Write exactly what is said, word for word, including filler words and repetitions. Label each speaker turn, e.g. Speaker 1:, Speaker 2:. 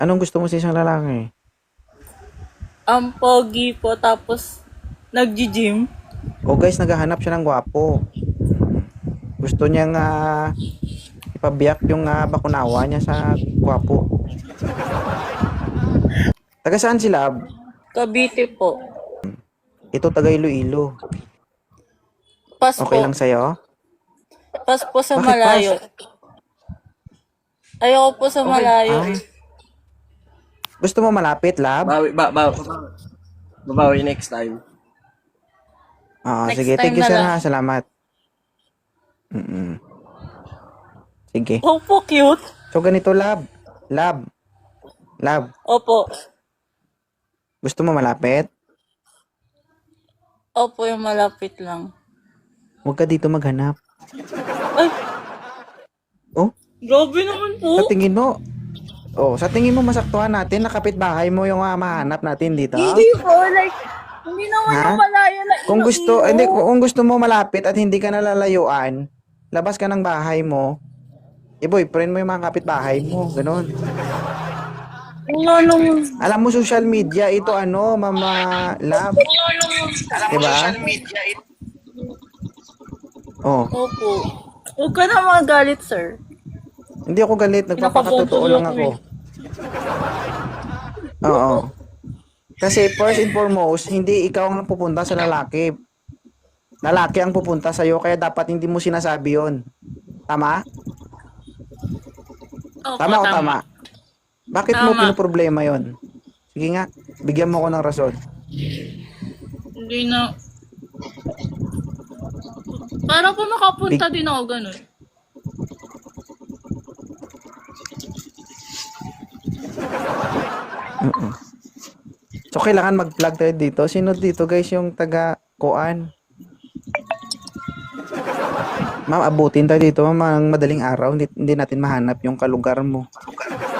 Speaker 1: Anong gusto mo sa isang lalaki?
Speaker 2: Ang pogi po, tapos nagji-gym.
Speaker 1: O guys, naghahanap siya ng gwapo. Gusto niyang ah, ipabiyak yung ah, bakunawa niya sa gwapo. Taga saan sila?
Speaker 2: Cavite po.
Speaker 1: Ito taga Iloilo.
Speaker 2: Pas
Speaker 1: Okay
Speaker 2: po.
Speaker 1: lang sa'yo?
Speaker 2: Pas po sa
Speaker 1: Bakit pas?
Speaker 2: malayo. Ayoko po sa
Speaker 1: Okay.
Speaker 2: malayo
Speaker 1: Ah,
Speaker 2: eh.
Speaker 1: gusto mo malapit, lab?
Speaker 3: Bawi, ba, ba, babawi next time.
Speaker 1: Oo,
Speaker 2: Next
Speaker 1: sige.
Speaker 2: time
Speaker 1: Thank you,
Speaker 2: na
Speaker 1: sir,
Speaker 2: lang.
Speaker 1: ha. Salamat. Mm-mm. Sige.
Speaker 2: Opo, cute.
Speaker 1: So, ganito, lab. Lab. Lab.
Speaker 2: Opo.
Speaker 1: Gusto mo malapit?
Speaker 2: Opo, yung malapit lang.
Speaker 1: Huwag ka dito maghanap.
Speaker 2: Ay,
Speaker 1: Oh,
Speaker 2: grabe naman
Speaker 1: sa
Speaker 2: po.
Speaker 1: tingin mo, oh, sa tingin mo masaktuhan natin, nakapit bahay mo yung uh, mahanap natin dito?
Speaker 2: Hindi po, like, hindi naman
Speaker 1: Ha?
Speaker 2: yung malayo na
Speaker 1: Kung gusto,
Speaker 2: Iloilo.
Speaker 1: hindi, kung gusto mo malapit at hindi ka nalalayuan, labas ka ng bahay mo, i-boyfriend mo yung mga kapitbahay mo, ganun.
Speaker 2: Wala naman.
Speaker 1: Alam mo, social media, ito ano, mama, love, diba? Oh,
Speaker 2: Opo. Huwag ka na magalit, sir.
Speaker 1: hindi ako galit, nagpapakatotoo lang ako. Oo. Kasi first and foremost, hindi ikaw ang pupunta sa lalaki. Lalaki ang pupunta sa'yo, kaya dapat hindi mo sinasabi yon. Tama?
Speaker 2: Opo,
Speaker 1: Tama o tama? Bakit mo
Speaker 2: Tama.
Speaker 1: pinoproblema yon? Sige nga, bigyan mo ko ng rason.
Speaker 2: Hindi na. Para po makapunta din ako ganun.
Speaker 1: Mm-mm. So, kailangan mag-vlog tayo dito. Sino dito, guys, yung taga Kuan? Ma'am, abutin tayo dito, ma'am, ang madaling araw. Hindi, hindi natin mahanap yung kalugar mo.